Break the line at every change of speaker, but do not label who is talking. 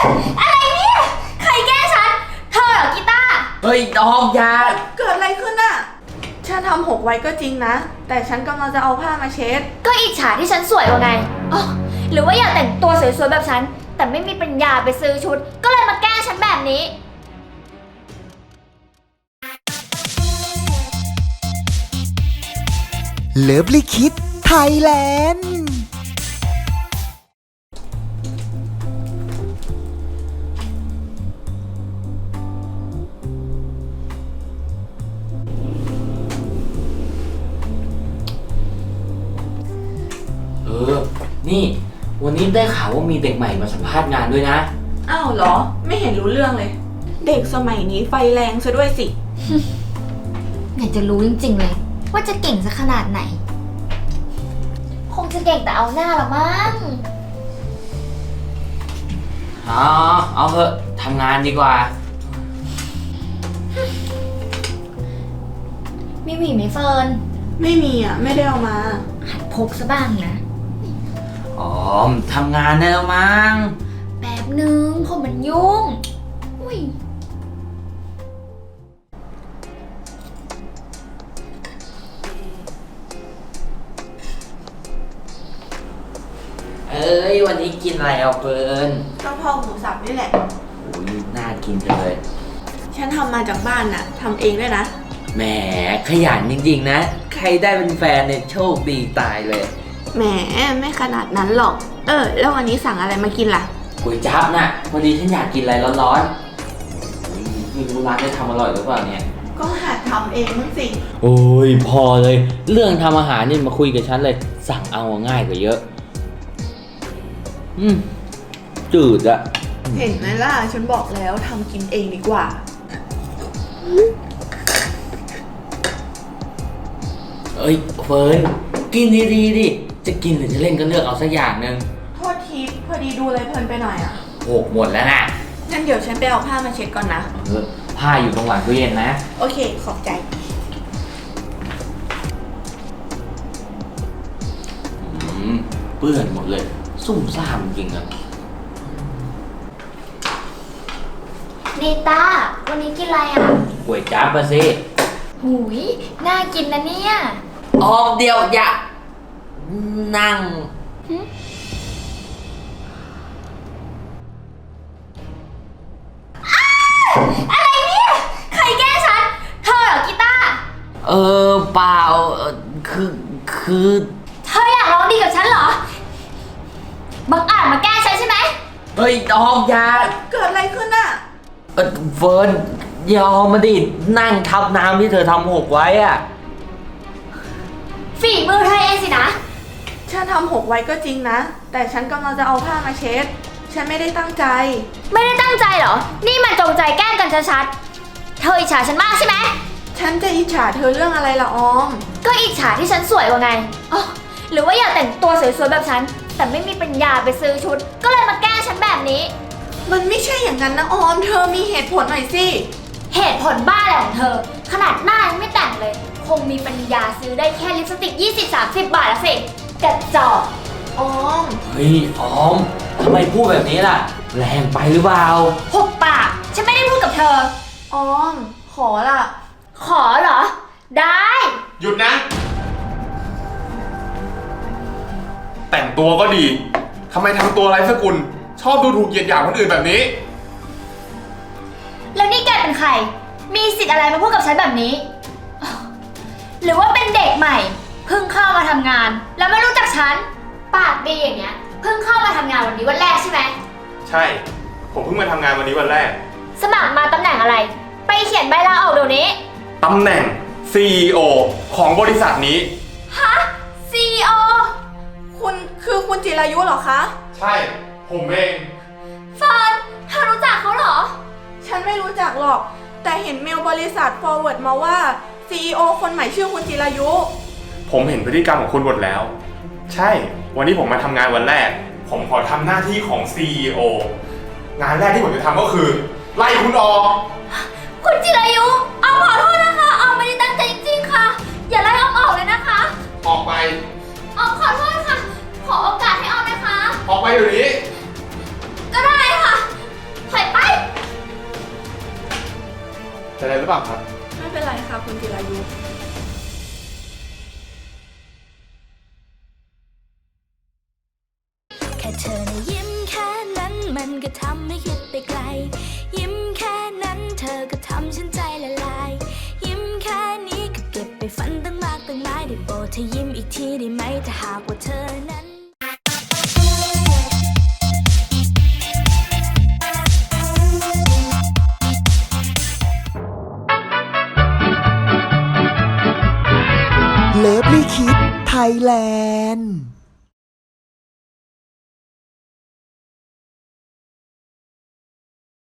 อะไรเนี่ยใครแกล้งฉันเธอเหรอกีตาร์
เฮ้ยออมยา
เกิดอะไรขึ้นอะฉันทำหกไว้ก็จริงนะแต่ฉันกำลังจะเอาผ้ามาเช็ด
ก็อิจฉาที่ฉันสวยกว่าไงอ๋อหรือว่าอยากแต่งตัวสวยๆแบบฉันแต่ไม่มีปัญญาไปซื้อชุดก็เลยมาแกล้งฉันแบบนี้
เลิฟลิคิดไทยแลนด์
นี่วันนี้ได้ข่าวว่ามีเด็กใหม่มาสัมภาษณ์งานด้วยนะ
อ้าวเหรอไม่เห็นรู้เรื่องเลยเด็กสมัยนี้ไฟแรงซะด้วยสิ
อยากจะรู้จริงๆเลยว่าจะเก่งสักขนาดไหนคงจะเก่งแต่เอาหน้าละมั้ง
เอาเถอะทำงานดีกว่า
มีหวีไหมเฟิร์น
ไม่มีอ่ะไม่ได้เอามา
หัดพกซะบ้างนะ
อ๋อทำงานได้แล้วมั้ง
แป๊บนึงผมมันยุ่งอุ้ย
วันนี้กินอะไรเอาเฟิร์น
กะเพราหมูสับนี่แหละ
โอ้ยน่ากินจังเลย
ฉันทำมาจากบ้านน่ะทำเองด้วยนะ
แหมขยันจริงๆนะใครได้เป็นแฟนเนี่ยโชคดีตายเลย
แหมไม่ขนาดนั้นหรอกแล้ววันนี้สั่งอะไรมากินล่ะ
ก๋วยจั๊บน่ะพอดีฉันอยากกินอะไรร้อนๆไม่รู้ร้านได้ทำอร่อยหรือเปล่าเนี่ย
ก็หัดทำเองมั้งสิ
โอ้ยพอเลยเรื่องทำอาหารนี่มาคุยกับฉันเลยสั่งเอาง่ายกว่าเยอะจืดอะ
เห็นไหมล่ะฉันบอกแล้วทำกินเองดีกว่า
เอ้ยเฟิร์นกินดีๆดิจะกินหรือจะเล่นก็เลือกเอาสักอย่างหนึ่ง
โทษทีพอดีดูอะไรเพลินไปหน่อยอะ
โหหมดแล้วนะ
งั้นเดี๋ยวฉันไปเอาผ้ามาเช็ดก่อนนะ
ผ้าอยู่ตรงหลังตู้เย็นนะ
โอเคขอบใจ
เปื้อนหมดเลยซุ่มซ่ามจริงอะ
นิต้าวันนี้กินอะไรอ่ะ
ก๋วยจั๊บมาสิ
หูยน่ากินนะเนี่ย
ออมเดียวอย่านั่ง
อะไรเนี่ยใครแกล้งฉันเธอเหรอกีตาร์
เปล่าคือ
เธออยากร้องดีกับฉันเหรอบังอาจมาแกล้งฉันใช่ไหม
เฮ้ยออมอย่า
เกิดอะไรขึ้นอะ
เฟิร์นยอมมาดินั่งทับน้ำที่เธอทำหกไว้อะ
ฝีมือเธอเองสินะ
ฉันทำหกไว้ก็จริงนะแต่ฉันกำลังจะเอาผ้ามาเช็ดฉันไม่ได้ตั้งใจ
ไม่ได้ตั้งใจเหรอนี่มันจงใจแกล้งกันชัดๆเธออิจฉาฉันมากใช่ไหม
ฉันจะอิจฉาเธอเรื่องอะไรล่ะออม
ก็อิจฉาที่ฉันสวยกว่าไงอ๋อหรือว่าอยากแต่งตัวสวยๆแบบฉันแต่ไม่มีปัญญาไปซื้อชุดก็เลยมาแกล้งฉันแบบนี้
มันไม่ใช่อย่างนั้นนะออมเธอมีเหตุผลหน่อยสิ
เหตุผลบ้าอะไรของเธอขนาดหน้ายังไม่แต่งเลยคงมีปัญญาซื้อได้แค่ลิปสติก20-30 บาทละสิกระจอก
ออม
เฮ้ยออมทำไมพูดแบบนี้ล่ะแรงไปหรือเปล่า
หุบปากฉันไม่ได้พูดกับเธอ
ออมขอล่ะ
ขอเหรอได้
หยุดนะแต่งตัวก็ดีทำไมทำตัวไร้สกุลชอบดูถูกเหยียดหยามคนอื่นแบบนี้
แล้วนี่แกเป็นใครมีสิทธิ์อะไรมาพูดกับฉันแบบนี้หรือว่าเป็นเด็กใหม่เพิ่งเข้ามาทำงานแล้วไม่รู้จักฉันปากดีอย่างเงี้ยเพิ่งเข้ามาทำงานวันนี้วันแรกใช่ไหม
ใช่ผมเพิ่งมาทำงานวันนี้วันแรก
สมัครมาตำแหน่งอะไรไปเขียนใบลาออกเดี๋ยวนี้
ตำแหน่ง CEO ของบริษัทนี้
ฮะ CEO
คุณจิรายุเหรอคะ
ใช่ผมเอง
เฟิร์นเธอรู้จักเขาเหรอ
ฉันไม่รู้จักหรอกแต่เห็นเมลบริษัท forward มาว่า CEO คนใหม่ชื่อคุณจิรายุ
ผมเห็นพฤติกรรมของคุณหมดแล้วใช่วันนี้ผมมาทำงานวันแรกผมขอทำหน้าที่ของ CEO งานแรกที่ผมจะทำก็คือไล่คุณออก
คุณจิรายุออมขอโทษนะคะออมไม่ได้ตั้งใจจริงๆค่ะอย่าไล่ออมออกเลยนะคะ
ออกไป
ออมขอโทษค่ะขอโอกาสให้ออมนะคะ
ออกไปเดี๋ยวนี้
ก็ได้ค่ะ
ใจอะไรหรือเปล่าครับ
ไม่เป็นไรค่ะคุณจิรายุ
แค่เธอนะยิ้มแค่นั้นมันก็ทำให้คิดไปไกล ยิ้มแค่นั้นเธอก็ทำฉันใจละลาย ยิ้มแค่นี้ก็เก็บไปฝันตั้งมากตั้งหลายได้โปรดเธอยิ้มอีกทีได้ไหมถ้าหากว่าเธอนั้น
เลิฟลี่คิดไทยแลนด์